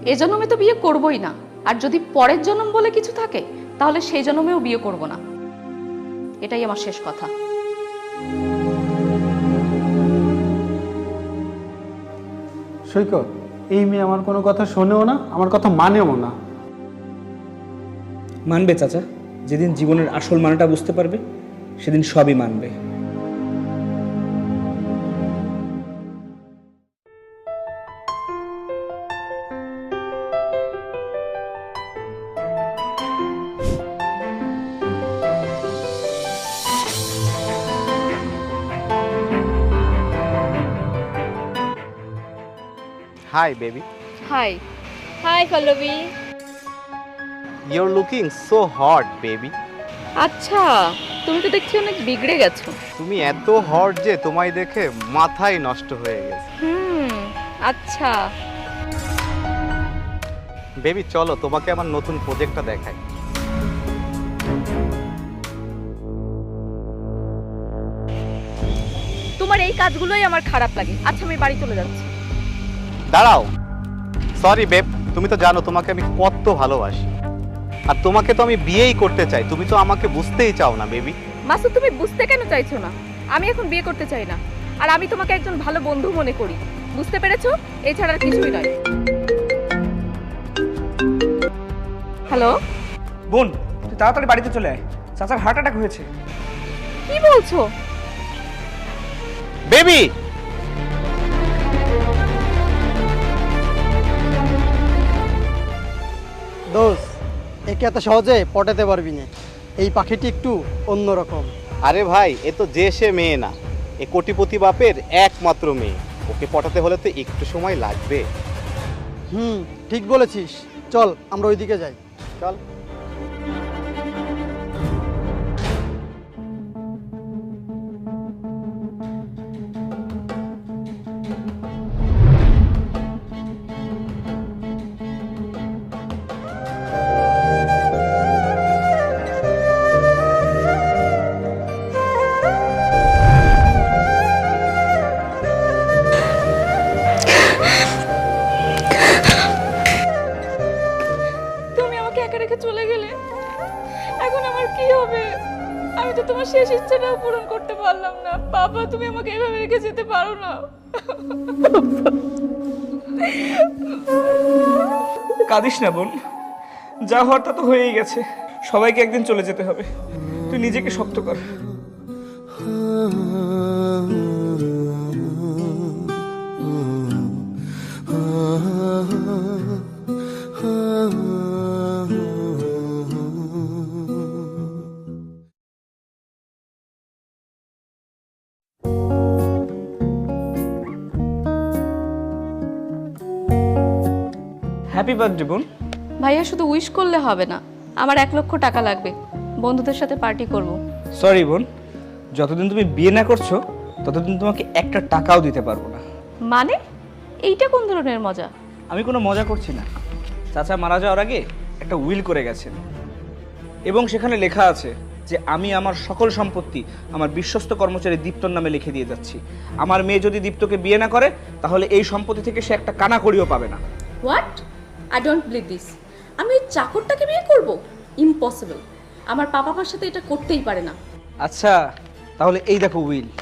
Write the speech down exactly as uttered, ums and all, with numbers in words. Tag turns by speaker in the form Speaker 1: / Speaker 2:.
Speaker 1: এ জন্মে তো বিয়ে করবই না, আর যদি পরের জন্ম বলে কিছু থাকে তাহলে সেই জন্মেও বিয়ে করব না। এটাই আমার শেষ কথা।
Speaker 2: সৈকত, এই মেয়ে আমার কোনো কথা শোনেও না, আমার কথা মানেও না।
Speaker 3: মানবে চাচা, যেদিন জীবনের আসল মানেটা বুঝতে পারবে সেদিন সবই মানবে।
Speaker 4: Hi, baby.
Speaker 1: Hi. Hi Pallavi.
Speaker 4: You're looking so hot, baby.
Speaker 1: আচ্ছা, তুমি তো দেখছি অনেক বিগড়ে গেছো।
Speaker 4: তুমি এত হট যে তোমায় দেখে মাথাই নষ্ট হয়ে গেছে।
Speaker 1: হুম, আচ্ছা।
Speaker 4: বেবি চলো তোমাকে আমার নতুন প্রজেক্টটা দেখাই।
Speaker 1: তোমার এই কাজগুলোই আমার খারাপ লাগে। আচ্ছা, আমি বাড়ি চলে যাচ্ছি।
Speaker 4: দাঁড়াও, সরি বেব, তুমি তো জানো তোমাকে আমি কত ভালোবাসি, আর তোমাকে তো আমি বিয়েই করতে চাই। তুমি তো আমাকে বুঝতেই চাও না বেবি।
Speaker 1: মাসুদ, তুমি বুঝতে কেন চাইছো না? আমি এখন বিয়ে করতে চাই না, আর আমি তোমাকে একজন ভালো বন্ধু মনে করি। বুঝতে পেরেছো? এছাড়া আর কিছুই নয়। হ্যালো
Speaker 3: বোন, তুই তাড়াতাড়ি বাড়িতে চলে আয়, চাচার হার্ট অ্যাটাক হয়েছে।
Speaker 1: কি বলছো?
Speaker 4: বেবি
Speaker 5: দোস্ত, একে এত সহজে পটাতে পারবি না। এই পাখিটি একটু অন্যরকম।
Speaker 4: আরে ভাই, এ তো যে সে মেয়ে না, এ কোটিপতি বাপের একমাত্র মেয়ে। ওকে পটাতে হলে তো একটু সময় লাগবে।
Speaker 5: হুম, ঠিক বলেছিস। চল আমরা ওইদিকে যাই।
Speaker 4: চল।
Speaker 1: তুমি আমাকে একা রেখে চলে গেলে, এখন আমার কি হবে? আমি তো তোমার শেষ ইচ্ছাটাও পূরণ করতে পারলাম না। বাবা, তুমি আমাকে এভাবে রেখে যেতে পারো না।
Speaker 3: কাঁদিস না বোন, যা হওয়ার তা তো হয়েই গেছে। সবাইকে একদিন চলে যেতে হবে, তুই নিজেকে শক্ত কর। হ্যাপি বার্থডে বোন।
Speaker 1: ভাইয়া, শুধু উইশ করলে হবে না, আমার এক লক্ষ টাকা লাগবে। বন্ধুদের সাথে পার্টি করব।
Speaker 3: সরি বোন, যতদিন তুমি বিয়ে না করছো ততদিন তোমাকে একটা টাকাও দিতে পারবো না।
Speaker 1: মানে এইটা কোন ধরনের মজা?
Speaker 3: আমি কোনো মজা করছি না। চাচা মারা যাওয়ার আগে একটা উইল করে গেছেন, এবং সেখানে লেখা আছে যে আমি আমার সকল সম্পত্তি আমার বিশ্বস্ত কর্মচারী দীপ্তর নামে লিখে দিয়ে যাচ্ছি। আমার মেয়ে যদি দীপ্তকে বিয়ে না করে তাহলে এই সম্পত্তি থেকে সে একটা কানা কড়িও পাবে না।
Speaker 1: What? I don't believe this. আমি ওই চাকরটাকে বিয়ে করব? ইম্পসিবল। আমার পাপা মার সাথে এটা করতেই পারে না।
Speaker 3: আচ্ছা, তাহলে এই দেখো উইল।